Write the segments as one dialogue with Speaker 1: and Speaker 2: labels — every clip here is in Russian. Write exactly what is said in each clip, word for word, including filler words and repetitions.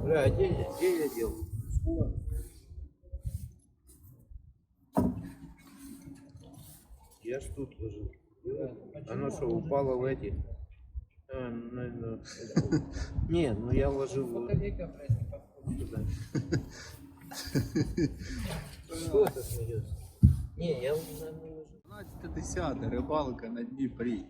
Speaker 1: Бля, а где, я- где я дел? Я ж тут ложил. Оно что, упало в эти? А, ну, ну, не, ну я ложил вот сюда. Что ты смеешься? Не, я наверное, ложил.
Speaker 2: дванадцяте десяте рибалка на Дніпрі.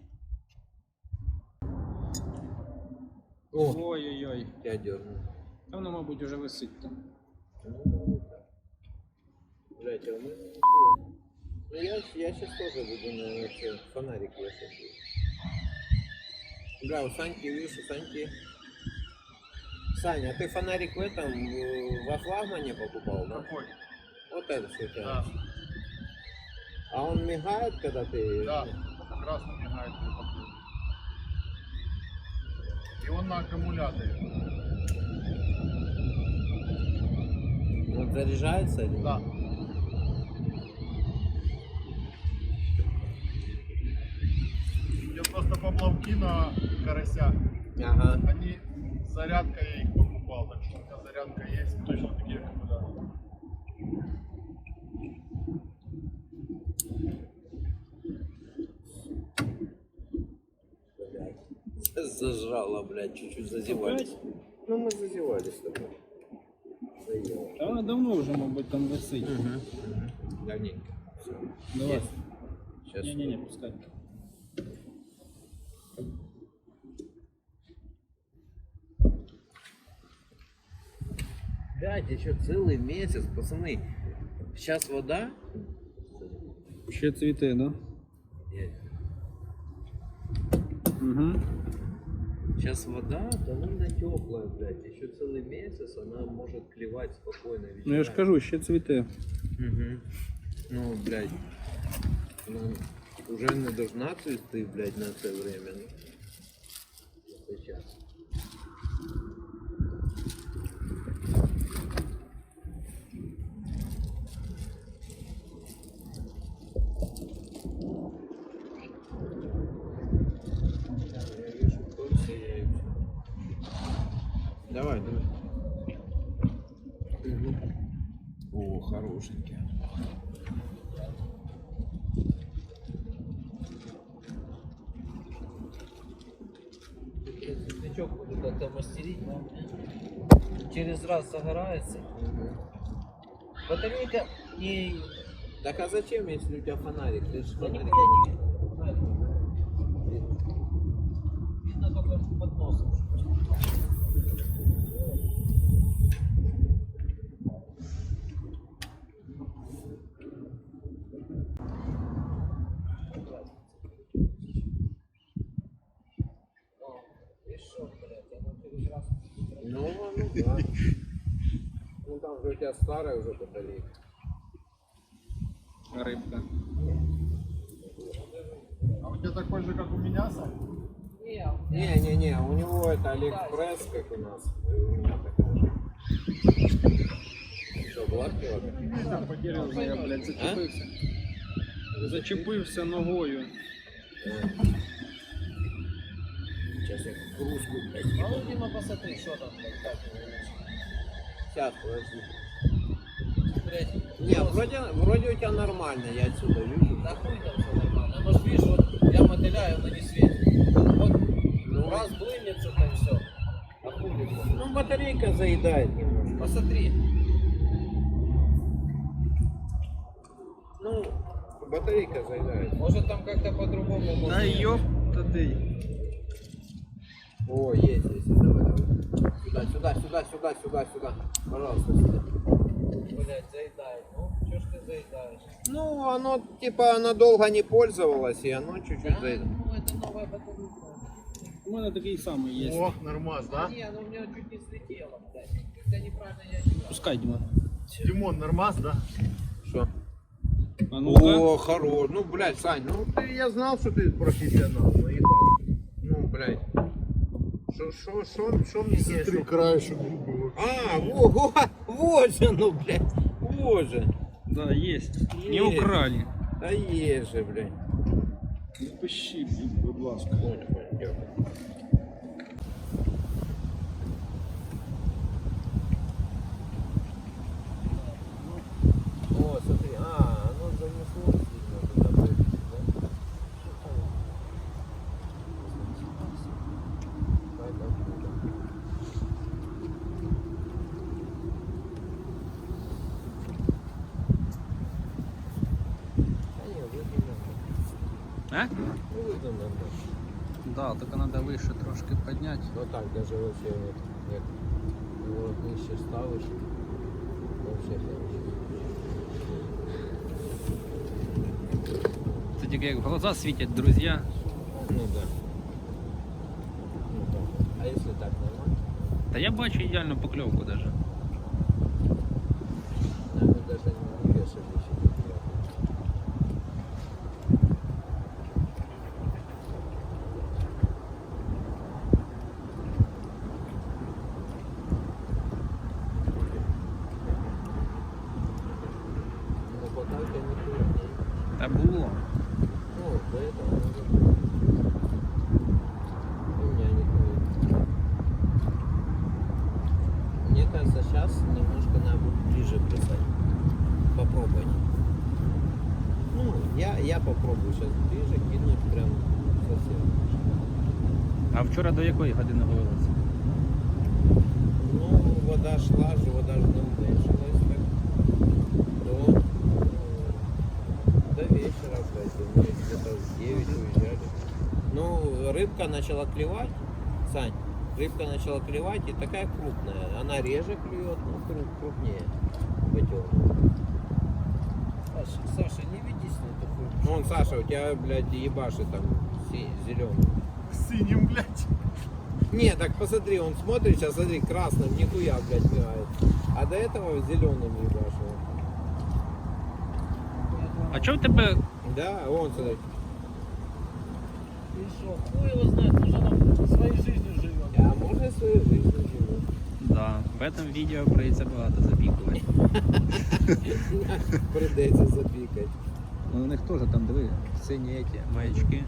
Speaker 1: О,
Speaker 2: Ой-ой-ой.
Speaker 1: я дернул.
Speaker 2: Та воно, мабуть, уже висить там.
Speaker 1: Ну, блять, а у меня нихуя. Ну я, я сейчас тоже буду на это, фонарик вешать. Бля, у Саньки, видишь, у Саньки... Саня, а ты фонарик в этом, в- во флагмане покупал, да?
Speaker 2: Какой?
Speaker 1: Вот это что у тебя.
Speaker 2: Да.
Speaker 1: А он мигает, когда ты...
Speaker 2: Да, красно мигает при покупке. И он на аккумуляторе.
Speaker 1: Он заряжается или нет?
Speaker 2: Да. Я просто поплавки на карася.
Speaker 1: Ага.
Speaker 2: Они с зарядкой я их покупал, так что у меня зарядка есть, точно такие аккумуляторы.
Speaker 1: Зажрало, блядь, чуть-чуть зазевались. Ну мы зазевались с тобой. Заело.
Speaker 3: Та вона давно вже, мабуть, там висить.
Speaker 1: Угу. Угу. Давненько. Все.
Speaker 3: Давай.
Speaker 1: Сейчас.
Speaker 3: Ні-ні-ні, пускай.
Speaker 1: Блядь, еще целый месяц, пацаны. Сейчас вода.
Speaker 3: Ще цвіте, да? Угу.
Speaker 1: Сейчас вода довольно теплая, блядь. Еще целый месяц она может клевать спокойно.
Speaker 3: Ну я ж кажу, ще цвіте.
Speaker 1: Угу. Ну, блядь. Ну, уже не должна цвести, блядь, на это время. Ну, сейчас. Давай, давай. О, хорошенький.
Speaker 4: Свечок буду как-то мастерить, но через раз загорается. Батарейка не...
Speaker 1: Так а зачем, если у тебя фонарик? Ты же
Speaker 4: Да
Speaker 1: фонарик.
Speaker 4: нихуя не видно. Видно только под носом.
Speaker 1: Ну, ну да. Ну там же у тебя старая уже батарейка.
Speaker 3: Рибка.
Speaker 2: А у тебя такой же, как у меня, Сань?
Speaker 1: Не-не-не, у него это Алиэкспресс, как у нас. И у меня такая же. Что, гладкий вообще?
Speaker 3: Так, потерявся я, блядь, зачепився. Зачепився ногою.
Speaker 1: Сейчас я кружку, блядь.
Speaker 4: А ну, Дима, посмотри, что там, блядь, как его лучше.
Speaker 1: Сейчас, подожди.
Speaker 4: Блядь,
Speaker 1: Не, вроде, вроде у тебя нормально, я отсюда вижу.
Speaker 4: да хуй там все нормально. Ну, может, видишь, вот я мотыляю, но не светит. Вот
Speaker 1: Ну,
Speaker 4: раз блынется, там все. А хуй его.
Speaker 1: ну батарейка заедает немножко.
Speaker 4: Посмотри.
Speaker 1: Ну, батарейка заедает.
Speaker 4: Может, там как-то по-другому
Speaker 3: Та
Speaker 4: можно.
Speaker 3: ёпта ти.
Speaker 1: О, есть, есть, давай, давай. Сюда, сюда, сюда, сюда, сюда, сюда. Пожалуйста, сюда.
Speaker 4: Блядь, заедает. Ну, что ж ты заедаешь?
Speaker 1: Ну, оно, типа, она долго не пользовалась, и оно чуть-чуть
Speaker 4: Да,
Speaker 1: заедает.
Speaker 4: ну, это новая батарейка.
Speaker 3: У мене такий самий є.
Speaker 2: О, нормас, да?
Speaker 4: Не, ну у меня чуть не слетело, блядь. Когда неправильно я не
Speaker 3: Пускай, Діма.
Speaker 2: Димон, нормас, да?
Speaker 1: Что?
Speaker 3: А ну-ка.
Speaker 1: О, хорош. Ну, блядь, Сань, ну ты, я знал, что ты профессионал, ну ебал. Ну, блядь. Что, что, что, что мне здесь?
Speaker 2: Три краешек губы.
Speaker 1: А, во, во, вот же, ну, блядь, вот же.
Speaker 3: Да, есть. Не
Speaker 1: Есть.
Speaker 3: украли.
Speaker 1: Да есть же, блядь.
Speaker 3: Не пиши, будь ласка.
Speaker 1: Понял, понял, дякую.
Speaker 3: А?
Speaker 1: Ну, видно нормально.
Speaker 3: Да, только надо выше трошки поднять.
Speaker 1: Вот так даже вообще вот, як его нижче ставиш, вообще хорошо.
Speaker 3: Це тільки як в глаза світять, друзі.
Speaker 1: Ну да. Ну так. А если так нормально?
Speaker 3: Та я бачу ідеальну покльовку даже.
Speaker 1: Да, мы даже не вешали еще не приехали. Ну пока у тебя не крупнее.
Speaker 3: Та було.
Speaker 1: Ну, до этого уже было. У меня не крупнее. Мне кажется, сейчас немножко надо будет ближе бросать. Попробовать. Ну, я, я попробую сейчас ближе кинуть прям совсем.
Speaker 3: А вчора до якої години ловилися?
Speaker 1: Ну, вода шла же, вода же не уменьшилась так. До, э, до вечера, кстати. Мы где-то в девять уезжали. Ну, рыбка начала клевать. Сань, рыбка начала клевать и такая крупная. Она реже клюет, но круп, крупнее. Потёмная.
Speaker 4: Саша, Саша, не ведись на эту хуйню.
Speaker 1: Вон, Саша, у тебя, блядь, ебашит там зеленый.
Speaker 2: Синим, блядь.
Speaker 1: Не, так посмотри, он смотрит, сейчас смотри, красным, нихуя, блядь, мигает. А до этого зеленым ебашил.
Speaker 3: А чого в тебе
Speaker 1: Да, вон, смотри.
Speaker 4: Ты шо, хуй его знает, уже нам своей жизнью живем.
Speaker 1: А можно свою жизнь живет?
Speaker 3: Да, в этом відео прийдеться багато запікувати.
Speaker 1: Придется запикать.
Speaker 3: Ну у них теж там, диви, сині еті, маячки.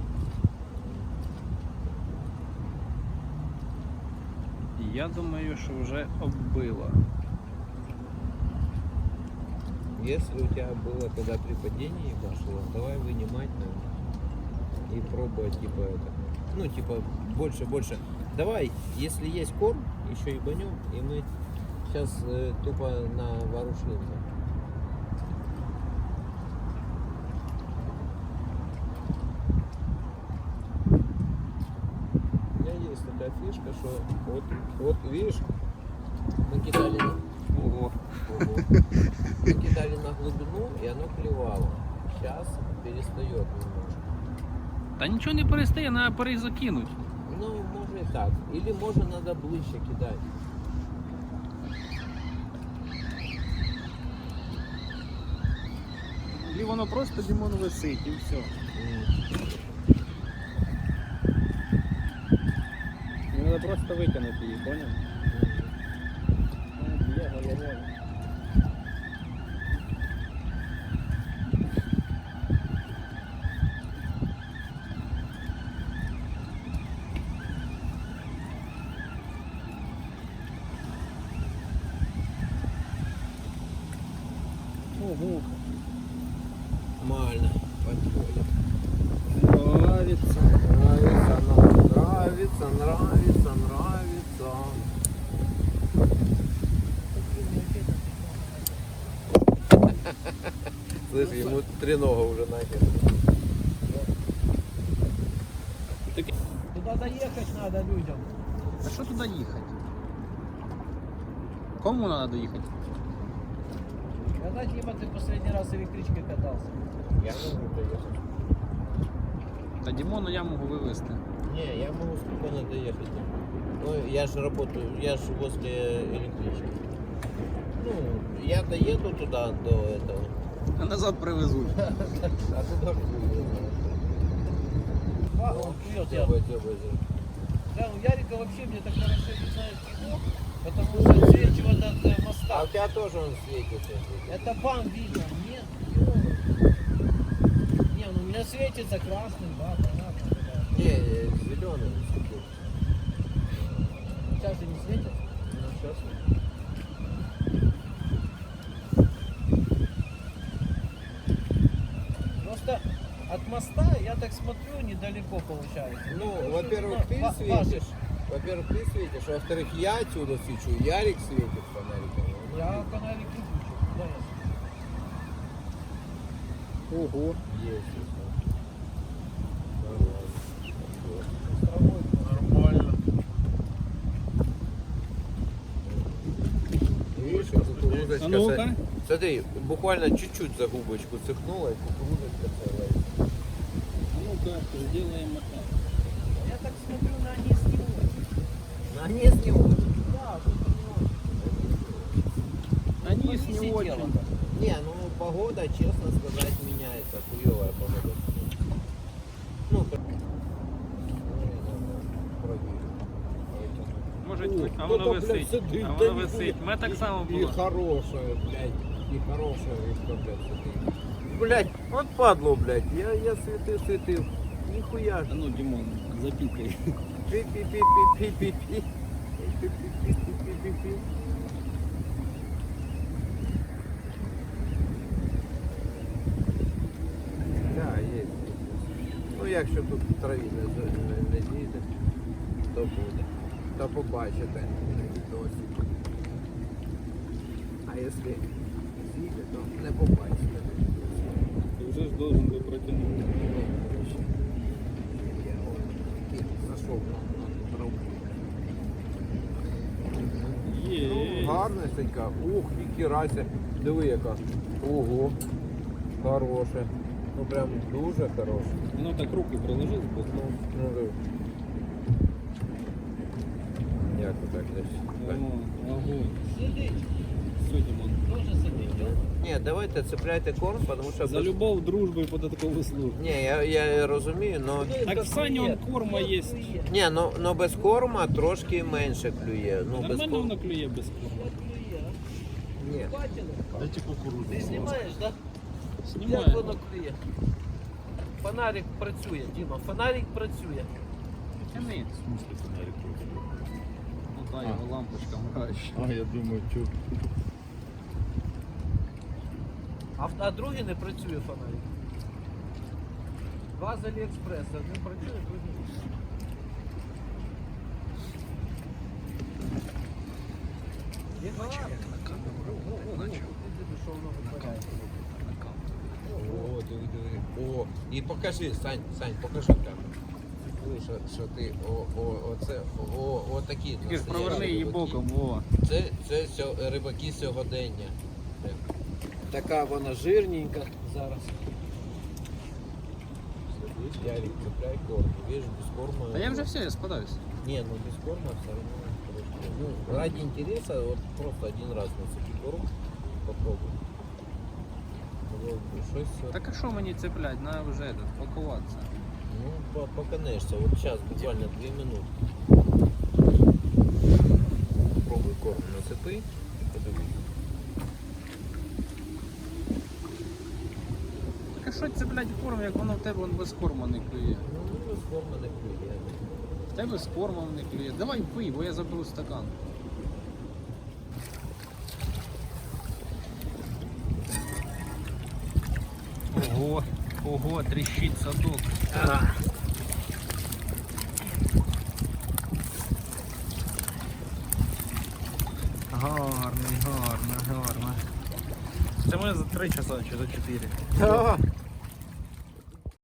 Speaker 3: Я думаю, що вже оббило.
Speaker 1: Если у тебя было когда при падении ебашило, давай вынимать там и пробовать типа это. Ну типа больше, больше. Давай, если есть корм, еще ебанем, и мы сейчас э, тупо на вооружимся. У меня есть такая фишка, что вот, вот видишь, мы кидали на... Ого. Ого. Мы кидали на глубину, и оно клевало. Сейчас перестает немножко.
Speaker 3: Та нічого не перестає, треба перезакинуть.
Speaker 1: Ну, можно и так. Или можно надо ближе кидать.
Speaker 3: І воно просто Дімон висить і все. І треба просто викинути її, поняв? Я головою. Ого,
Speaker 1: Нормально. Подходит.
Speaker 3: нравится.
Speaker 1: Нравится, нам нравится, нравится, нравится. Слышь, ему тренога уже нахер.
Speaker 4: Туда доехать надо людям.
Speaker 3: А що туди їхати? Кому треба доїхати?
Speaker 4: Когда, Дима, ты последний раз электричкой катался?
Speaker 1: Я могу доехать.
Speaker 3: Та Дімону я можу вивезти.
Speaker 1: Не, я могу спокойно доехать. Ну, я же работаю, я же возле электрички. Ну, я доеду туда до этого.
Speaker 3: А назад привезуть.
Speaker 1: А туда хуй.
Speaker 4: А, он клюет, я.
Speaker 1: Дёбай, дёбай, дёбай.
Speaker 4: Да, у Ярика вообще мне так хорошо не знает его, потому что отсвечивает от э,
Speaker 1: А
Speaker 4: моста.
Speaker 1: у тебя тоже он светится.
Speaker 4: Это бам видно, нет? Не, ну у меня светится красным, да, понятно. Да.
Speaker 1: Не, зеленый.
Speaker 4: Сейчас же не светит.
Speaker 1: Ну, сейчас.
Speaker 4: Просто от моста, я так смотрю, недалеко получается.
Speaker 1: Ну, во-первых, ты
Speaker 4: Ва-
Speaker 1: светишь. Во-первых, ты светишь, а во-вторых, я отсюда свечу, Ярик светит фонариком.
Speaker 4: Я фонарик выключу. Да, я.
Speaker 3: Ого.
Speaker 1: Есть. кукурузочка.
Speaker 3: А ну-ка.
Speaker 1: це- Смотри, буквально чуть-чуть за губочку цихнула, и кукурузочка целая.
Speaker 3: А ну-ка, сделаем это.
Speaker 4: Я так смотрю на низ не очень.
Speaker 1: На низ не очень.
Speaker 4: Да, что-то не очень.
Speaker 3: Они
Speaker 4: Ну,
Speaker 3: с
Speaker 4: не
Speaker 3: не
Speaker 4: сидела,
Speaker 3: очень.
Speaker 4: да.
Speaker 1: Не, ну погода, честно сказать, меняется. Хуевая погода. Ну, про-
Speaker 3: Може,
Speaker 1: О,
Speaker 3: а
Speaker 1: хто-то,
Speaker 3: воно
Speaker 1: блядь,
Speaker 3: висить.
Speaker 1: сидить,
Speaker 3: А
Speaker 1: та
Speaker 3: воно
Speaker 1: ніхуя.
Speaker 3: висить. Ми так само
Speaker 1: И
Speaker 3: було.
Speaker 1: хорошая, блядь, и хорошая рыбка, блядь, сидит. Блядь, вот падло, блядь, я, я светил, светил. Нихуя.
Speaker 3: А ну, Димон, запикай.
Speaker 1: Пи-пи-пи-пи-пи-пи-пи. Пи-пи-пи-пи-пи-пи. Да, есть. Ну, якщо тут траві не, не, не зійде, то буде. То побачите на відосі. А якщо зійде, то не побачите на відосі.
Speaker 3: Ты уже ж должен был протянуть.
Speaker 1: Я от зайшов на, на траву. Ну,
Speaker 3: Є.
Speaker 1: гарнесенька. Ух, і кірася. Диви яка. Ого. Хороше. Ну прям дуже хороше.
Speaker 3: Ну так руки приложи збоку.
Speaker 1: Ну, ну диви. Як отак десь? Так.
Speaker 3: О, огонь.
Speaker 4: Сидить.
Speaker 3: Все, Димон.
Speaker 4: Тоже сидить, да?
Speaker 1: Ні, давайте цепляйте корм, тому що...
Speaker 3: За
Speaker 1: без-
Speaker 3: любов, дружбу і податкову службу.
Speaker 1: Ні, я, я розумію, но...
Speaker 3: Так в Сані он корма є.
Speaker 1: Ні, ну, ну без корма трошки менше клює. Ну, без
Speaker 3: Нормально
Speaker 1: корма.
Speaker 3: воно клює без корма.
Speaker 1: Ні.
Speaker 4: Бачили?
Speaker 2: Дайте кукурузу.
Speaker 4: Ти знімаєш, так? Як
Speaker 3: Знімаю.
Speaker 4: воно клює? Фонарик працює, Діма, фонарик працює.
Speaker 3: Тяни.
Speaker 2: В смысле фонарик?
Speaker 3: Ну та його лампочка мрач.
Speaker 2: А, я думаю, что...
Speaker 4: А, в- а другий не працює фонарик. Два з Аліекспреса, один працює, другий ні. Є фонарик? Що воно витворяє?
Speaker 1: О, диви, диви. О, і покажи, Сань, Сань, покажи там. Що, що ти, о, о, оце, о, о, такі.
Speaker 3: Ти ж проверни
Speaker 1: настоящі
Speaker 3: її
Speaker 1: рибаки.
Speaker 3: боком, во.
Speaker 1: Це, це сьо- рибаки сьогодення.
Speaker 4: Така вона жирненька зараз.
Speaker 1: Ярик, цепляй корм. Видишь, без корма...
Speaker 3: Та я вже все, я спадаюсь.
Speaker 1: Не, ну без корма все равно трошки. Ну, ради интереса, вот просто один раз нацепи корм, попробуй. Ну, щось,
Speaker 3: Так а що мені цеплять? На вже этот, пакуватися.
Speaker 1: ну, по- поканешься. Вот сейчас, буквально две минуты. Попробуй корм нацепи и подивись.
Speaker 3: Так а що цеплять корм, як воно в тебе вон без корма не клює?
Speaker 1: Ну, без корма не клює.
Speaker 3: В тебе з кормом не клює. Давай пий, бо я заберу стакан. Ого, ого, тріщить садок. Гарний, гарно, гарно. Це ми за три часа чи за чотири.
Speaker 1: Да.